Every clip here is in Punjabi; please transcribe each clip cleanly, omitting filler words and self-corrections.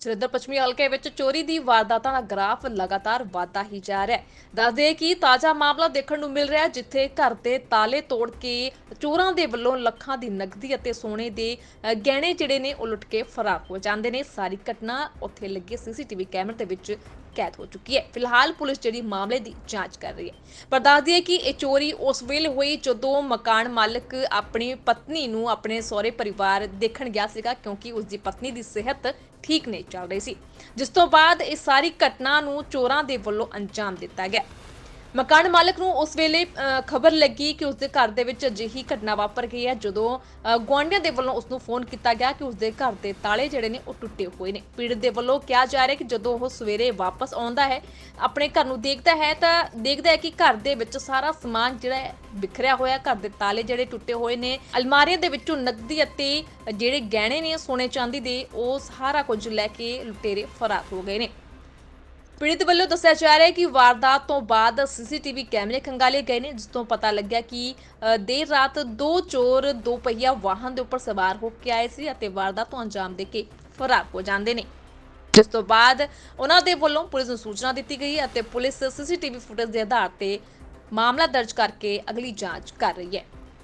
ਜਲੰਧਰ ਪੱਛਮੀ ਹਲਕੇ ਵਿੱਚ ਚੋਰੀ ਦੀ ਵਾਰਦਾਤਾਂ ਦਾ ਗ੍ਰਾਫ ਲਗਾਤਾਰ ਵਧਦਾ ਹੀ ਜਾ ਰਿਹਾ ਹੈ। ਦੱਸਦੇ ਕਿ ਤਾਜ਼ਾ ਮਾਮਲਾ ਦੇਖਣ ਨੂੰ ਮਿਲ ਰਿਹਾ ਹੈ, ਜਿੱਥੇ ਘਰ ਦੇ ਤਾਲੇ ਤੋੜ ਕੇ ਚੋਰਾਂ ਦੇ ਵੱਲੋਂ ਲੱਖਾਂ ਦੀ ਨਕਦੀ ਅਤੇ ਸੋਨੇ ਦੇ ਗਹਿਣੇ ਜਿਹੜੇ ਨੇ ਉਹ ਲੁੱਟ ਕੇ ਫਰਾਰ ਹੋ ਜਾਂਦੇ ਨੇ। ਸਾਰੀ ਘਟਨਾ ਉੱਥੇ ਲੱਗੇ ਸੀਸੀਟੀਵੀ ਕੈਮਰੇ ਦੇ ਵਿੱਚ ਕੈਦ ਹੋ ਚੁੱਕੀ ਹੈ। ਫਿਲਹਾਲ ਪੁਲਿਸ ਜਿਹੜੀ ਮਾਮਲੇ ਦੀ ਜਾਂਚ ਕਰ ਰਹੀ ਹੈ। ਪਰ ਦੱਸਦੀ ਹੈ ਕਿ ਇਹ ਚੋਰੀ ਉਸ ਵੇਲੇ ਹੋਈ ਜਦੋਂ ਮਕਾਨ ਮਾਲਕ ਆਪਣੀ ਪਤਨੀ ਨੂੰ ਆਪਣੇ ਸਹੁਰੇ ਪਰਿਵਾਰ ਦੇਖਣ ਗਿਆ ਸੀਗਾ, ਕਿਉਂਕਿ ਉਸ ਦੀ ਪਤਨੀ ਦੀ ਸਿਹਤ ਠੀਕ ਨਹੀਂ ਚੱਲ ਰਹੀ ਸੀ, ਜਿਸ ਤੋਂ ਬਾਅਦ ਇਹ ਸਾਰੀ ਘਟਨਾ ਨੂੰ ਚੋਰਾਂ ਦੇ ਵੱਲੋਂ ਅੰਜਾਮ ਦਿੱਤਾ ਗਿਆ। ਮਕਾਨ ਮਾਲਕ ਨੂੰ ਉਸ ਵੇਲੇ ਖਬਰ ਲੱਗੀ ਕਿ ਉਸਦੇ ਘਰ ਦੇ ਵਿੱਚ ਅਜਿਹੀ ਘਟਨਾ ਵਾਪਰ ਗਈ ਹੈ, ਜਦੋਂ ਗੁਆਂਢੀਆਂ ਦੇ ਵੱਲੋਂ ਉਸ ਨੂੰ ਫੋਨ ਕੀਤਾ ਗਿਆ ਕਿ ਉਸਦੇ ਘਰ ਦੇ ਤਾਲੇ ਜਿਹੜੇ ਨੇ ਉਹ ਟੁੱਟੇ ਹੋਏ ਨੇ। ਪੀੜਤ ਦੇ ਵੱਲੋਂ ਕਿਹਾ ਜਾ ਰਿਹਾ ਕਿ ਜਦੋਂ ਉਹ ਸਵੇਰੇ ਵਾਪਸ ਆਉਂਦਾ ਹੈ, ਆਪਣੇ ਘਰ ਨੂੰ ਦੇਖਦਾ ਹੈ ਤਾਂ ਦੇਖਦਾ ਹੈ ਕਿ ਘਰ ਦੇ ਵਿੱਚ ਸਾਰਾ ਸਮਾਨ ਜਿਹੜਾ ਹੈ ਬਿਖਰਿਆ ਹੋਇਆ, ਘਰ ਦੇ ਤਾਲੇ ਜਿਹੜੇ ਟੁੱਟੇ ਹੋਏ ਨੇ, ਅਲਮਾਰੀਆਂ ਦੇ ਵਿੱਚੋਂ ਨਕਦੀ ਅਤੇ ਜਿਹੜੇ ਗਹਿਣੇ ਨੇ ਸੋਨੇ ਚਾਂਦੀ ਦੇ, ਉਹ ਸਾਰਾ ਕੁਝ ਲੈ ਕੇ ਲੁਟੇਰੇ ਫਰਾਰ ਹੋ ਗਏ ਨੇ। ਪੀੜਤ ਵੱਲੋਂ ਦੱਸਿਆ ਜਾ ਰਿਹਾ ਹੈ ਕਿ ਵਾਰਦਾਤ ਤੋਂ ਬਾਅਦ ਸੀਸੀਟੀਵੀ ਕੈਮਰੇ ਖੰਗਾਲੇ ਗਏ ਨੇ, ਜਿਸ ਤੋਂ ਪਤਾ ਲੱਗਿਆ ਕਿ ਦੇਰ ਰਾਤ ਦੋ ਚੋਰ ਦੋ ਪਹੀਆ ਵਾਹਨ ਦੇ ਉੱਪਰ ਸਵਾਰ ਹੋ ਕੇ ਆਏ ਸੀ ਅਤੇ ਵਾਰਦਾਤ ਨੂੰ ਅੰਜਾਮ ਦੇ ਕੇ ਫਰਾਰ ਹੋ ਜਾਂਦੇ ਨੇ, ਜਿਸ ਤੋਂ ਬਾਅਦ ਉਹਨਾਂ ਦੇ ਵੱਲੋਂ ਪੁਲਿਸ ਨੂੰ ਸੂਚਨਾ ਦਿੱਤੀ ਗਈ ਅਤੇ ਪੁਲਿਸ ਸੀਸੀਟੀਵੀ ਫੁਟੇਜ ਦੇ ਆਧਾਰ ਤੇ ਮਾਮਲਾ ਦਰਜ ਕਰਕੇ ਅਗਲੀ ਜਾਂਚ ਕਰ ਰਹੀ ਹੈ।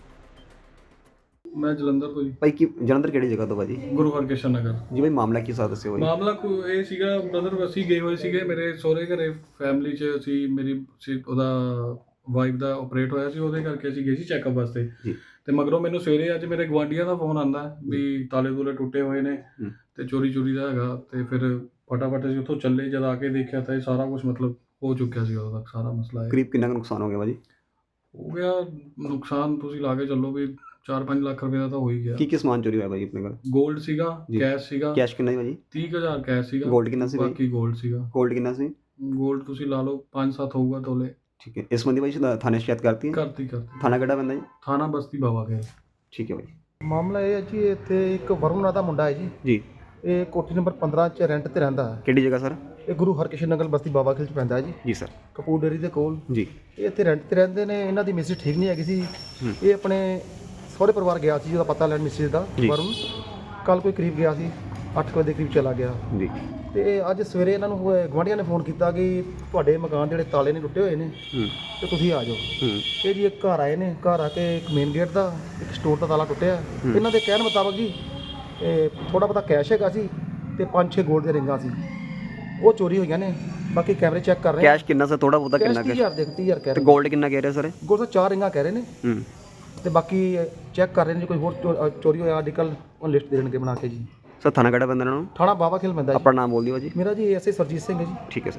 मैं ਜਲੰਧਰ ਤੋਂ ਜੀ। ਭਾਈ ਕੀ ਜਲੰਧਰ ਕਿਹੜੀ ਜਗ੍ਹਾ ਤੋਂ ਭਾਜੀ? ਗੁਰੂ ਹਰਕ੍ਰਿਸ਼ਨ ਨਗਰ। ਜੀ ਭਾਈ ਮਾਮਲਾ ਕੀ ਸਾਥ ਦੱਸਿਓ ਭਾਈ? ਮਾਮਲਾ ਇਹ ਸੀਗਾ ਬ੍ਰਦਰ, ਅਸੀਂ ਗਏ ਹੋਏ ਸੀਗੇ ਮੇਰੇ ਸਹੁਰੇ ਘਰੇ, ਫੈਮਿਲੀ 'ਚ ਅਸੀਂ ਉਹਦਾ ਵਾਈਫ ਦਾ ਆਪਰੇਟ ਹੋਇਆ ਸੀ, ਉਹਦੇ ਕਰਕੇ ਅਸੀਂ ਗਏ ਸੀ ਚੈੱਕਅਪ ਵਾਸਤੇ। ਜੀ। ਤੇ ਮਗਰੋਂ ਮੈਨੂੰ ਸਵੇਰੇ ਅੱਜ ਮੇਰੇ ਗੁਆਂਢੀਆਂ ਦਾ ਫੋਨ ਆਉਂਦਾ ਵੀ ਤਾਲੇ ਤੂਲੇ ਟੁੱਟੇ ਹੋਏ ਨੇ ਤੇ ਚੋਰੀ ਦਾ ਹੈਗਾ। ਤੇ ਫਿਰ ਫਟਾਫਟ ਅਸੀਂ ਉੱਥੋਂ ਚੱਲੇ, ਜਦ ਆ ਕੇ ਦੇਖਿਆ ਤਾਂ ਇਹ ਸਾਰਾ ਕੁਝ ਮਤਲਬ ਹੋ ਚੁੱਕਿਆ ਸੀ। ਉਦੋਂ ਤੱਕ ਸਾਰਾ ਮਸਲਾ ਕਰੀਬ ਕਿੰਨਾ ਕੁ ਨੁਕਸਾਨ ਹੋ ਗਿਆ ਭਾਜੀ? ਹੋ ਗਿਆ ਨੁਕਸਾਨ, ਤੁਸੀਂ ਲਾ ਕੇ ਚੱਲੋ ਵੀ 4-5 ਲੱਖ ਰੁਪਏ ਦਾ ਤਾਂ ਹੋ ਹੀ ਗਿਆ। ਕੀ ਸਮਾਨ ਚੋਰੀ ਹੋਇਆ ਭਾਜੀ ਆਪਣੇ ਕੋਲ? ਗੋਲਡ ਸੀਗਾ, ਜੀ। ਕੈਸ਼ ਸੀਗਾ। ਕੈਸ਼ ਕਿੰਨਾ ਸੀ ਭਾਜੀ? 30,000 ਕੈਸ਼ ਸੀਗਾ। ਗੋਲਡ ਕਿੰਨਾ ਸੀ ਭਾਈ? ਬਾਕੀ ਗੋਲਡ ਸੀਗਾ। ਗੋਲਡ ਕਿੰਨਾ ਸੀ? ਗੋਲਡ ਤੁਸੀਂ ਲਾ ਲਓ 5-7 ਹੋਊਗਾ ਤੋਲੇ। ਠੀਕ ਹੈ। ਇਸ ਸੰਬੰਧੀ ਭਾਈ ਥਾਣੇ ਸ਼ਿਕਾਇਤ ਕਰਤੀ ਹੈ? ਕਰਤੀ ਥਾਣਾ ਕਿਹੜਾ ਪੈਂਦਾ ਜੀ? ਥਾਣਾ ਬਸਤੀ ਬਾਵਾ ਗਿਆ। ਠੀਕ ਹੈ ਭਾਈ। ਮਾਮਲਾ ਇਹ ਹੈ ਜੀ, ਇੱਥੇ ਇੱਕ ਵਰੁਣ ਨਾਂ ਦਾ ਮੁੰਡਾ ਹੈ ਜੀ। ਜੀ। ਇਹ ਕੋਠੀ ਨੰਬਰ 15 'ਚ ਰੈਂਟ ਤੇ ਰਹਿੰਦਾ ਹੈ। ਕਿਹੜੀ ਜਗ੍ਹਾ ਸਰ? ਇਹ ਗੁਰੂ ਹਰਕ੍ਰਿਸ਼ਨ ਨਗਰ ਬਸਤੀ ਬਾਵਾ ਖਿਲ 'ਚ ਪੈਂਦਾ ਹੈ ਜੀ। ਜੀ ਸਰ। ਕਪੂਰ ਡੇਰੀ ਦੇ ਕੋਲ। ਜੀ। ਇਹ ਇੱਥੇ ਰੈਂਟ ਤੇ ਰਹਿੰਦੇ ਨੇ। ਇਹਨਾਂ ਦੀ ਮਿਸਿਸ ਠੀਕ ਨਹੀਂ ਹੈਗੀ ਸੀ। ਇਹ ਆਪਣੇ ਸਹੁਰੇ ਪਰਿਵਾਰ ਗਿਆ ਸੀ, ਉਹਦਾ ਪਤਾ ਲੈਣ ਮਿਸਿਸ ਦਾ। ਵਰੁਣ ਕੱਲ ਕੋਈ ਕਰੀਬ ਗਿਆ ਸੀ, 8 ਵਜੇ ਦੇ ਕਰੀਬ ਚਲਾ ਗਿਆ। ਜੀ। ਤੇ ਅੱਜ ਸਵੇਰੇ ਇਹਨਾਂ ਨੂੰ ਗੁਆਂਢੀਆਂ ਨੇ ਫੋਨ ਕੀਤਾ ਕਿ ਤੁਹਾਡੇ ਮਕਾਨ ਜਿਹੜੇ ਤਾਲੇ ਨੇ ਟੁੱਟੇ ਹੋਏ ਨੇ ਤੇ ਤੁਸੀਂ ਆ ਜਾਓ। ਇਹ ਜੀ ਇੱਕ ਘਰ ਆਏ ਨੇ। ਘਰ ਆ ਕੇ ਇੱਕ ਮੇਨ ਗੇਟ ਦਾ, ਇੱਕ ਸਟੋਰ ਦਾ ਤਾਲਾ ਟੁੱਟਿਆ। ਇਹਨਾਂ ਦੇ ਕਹਿਣ ਮੁਤਾਬਕ ਜੀ ਥੋੜਾ ਬਹੁਤਾ ਕੈਸ਼ ਹੈਗਾ ਸੀ ਤੇ 5-6 ਗੋਲਡ ਦੀਆਂ ਰਿੰਗਾਂ ਸੀ, ਉਹ ਚੋਰੀ ਹੋਈਆਂ ਨੇ। ਬਾਕੀ ਕੈਮਰੇ ਚੈੱਕ ਕਰ ਰਹੇ। ਕੈਸ਼ ਕਿੰਨਾ ਸਰ? ਥੋੜਾ ਬਹੁਤਾ ਕਿੰਨਾ? 30,000 ਦੇ 30,000 ਕਹਿ ਤੇ ਰਹੇ। ਗੋਲਡ ਕਿੰਨਾ ਕਹਿ ਰਹੇ ਸਰ? ਗੋਲਡ 4 ਰਿੰਗਾਂ ਕਹਿ ਰਹੇ ਨੇ ਤੇ ਬਾਕੀ ਚੈੱਕ ਕਰ ਰਹੇ ਨੇ। ਜੇ ਕੋਈ ਹੋਰ ਚੋਰੀ ਹੋਇਆ ਅੱਜ ਕੱਲ੍ਹ ਉਹ ਲਿਸਟ ਦੇ ਦੇਣਗੇ ਬਣਾ ਕੇ ਜੀ। ਸਰ ਥਾਣਾ ਕਿਹੜਾ ਪੈਂਦਾ ਇਹਨਾਂ ਨੂੰ? ਥਾਣਾ ਬਾਵਾ ਖੇਲ ਪੈਂਦਾ ਜੀ। ਆਪਣਾ ਨਾਮ ਬੋਲ ਦਿਓ ਜੀ। ਮੇਰਾ ਜੀ ਐਸਏ ਸਰਜੀਤ ਸਿੰਘ ਹੈ ਜੀ। ਠੀਕ ਹੈ ਸਰ।